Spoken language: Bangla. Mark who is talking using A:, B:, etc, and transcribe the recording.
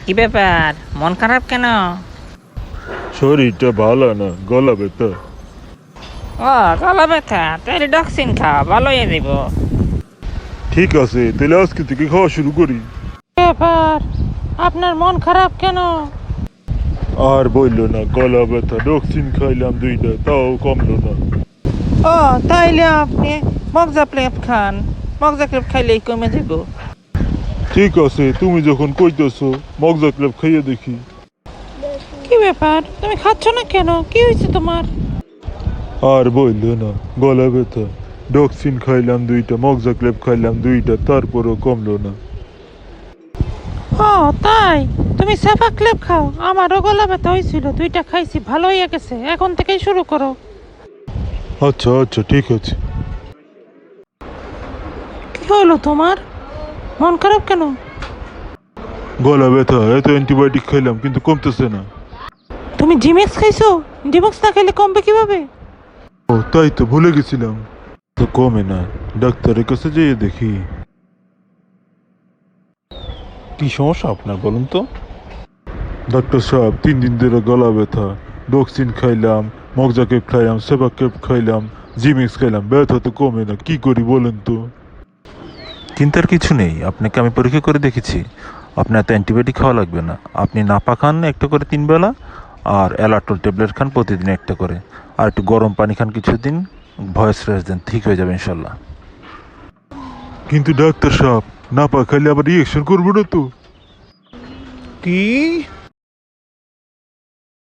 A: কি ব্যাপার, মন খারাপ কেন?
B: শরীরটা ভালো না, গলা ব্যথা।
A: ও, গলা ব্যথা, তাহলে ডক্সিন খাও, ভালো হয়ে দিব।
B: ঠিক আছে, তাহলে আজকে থেকে খাওয়া শুরু করি।
A: ব্যাপার, আপনার মন খারাপ কেন?
B: আর বললো না, গলা ব্যথা, ডক্সিন খাইলাম 2টা, তাও কমলো না।
A: ও, তাইলে আপনি মগজা প্লেপ খান, মগজা প্লেপ খাইলেই কমে যাব।
B: ঠিক আছে, তুমি যখন কইতেছো মগজা ক্লাব খাইয়ে দেখি।
A: কি ব্যাপার, তুমি খাচ্ছ না কেন? কি হয়েছে তোমার?
B: আর বললো না, গলা ব্যথা, ডক্সিন খাইলাম 2টা, মগজা ক্লাব খাইলাম 2টা, তারপরও কমলো না।
A: ও তাই, তুমি সাফা ক্লেপ খাও। আমারও গলা ব্যথা হয়েছিল, 2টা খাইছি, ভালো হয়ে গেছে। এখন থেকেই শুরু করো।
B: আচ্ছা আচ্ছা, ঠিক আছে।
A: কি হলো তোমার? মন খারাপ কেন?
B: গলা ব্যথা, এত অ্যান্টিবায়োটিক খাইলাম কিন্তু কমতেছে না।
A: তুমি জিমেক্স খাইছো? জিমেক্স না খেলে কমবে কিভাবে?
B: ও তাই তো, ভুলে গেছিলাম। তো কমে না, ডাক্তারের কাছে যেয়ে দেখি।
C: কি সমস্যা আপনার বলুন তো?
B: ডাক্তার সাহেব, 3 দিন ধরে গলা ব্যথা, ডক্সিন খাইলাম, মগজা কেপ খাইলাম, সেবা কেপ খাইলাম, জিমিক্স খাইলাম, ব্যথা তো কমে না, কি করি বলেন তো?
C: চিন্তার কিছু নেই, আপনাকে আমি পরীক্ষা করে দেখেছি। আপনার তো অ্যান্টিবায়োটিক খাওয়া লাগবে না। আপনি নাপা খান একটা করে 3 বেলা, আর অ্যালাটল ট্যাবলেট খান প্রতিদিন একটা করে, আর একটু গরম পানি খান কিছুদিন, ভয়েস রেস্ট দেন, ঠিক হয়ে যাবে ইনশাল্লাহ।
B: কিন্তু ডাক্তার সাহেব, না পা খাইলে আবার রিয়েকশন করবো না তো?
C: কি?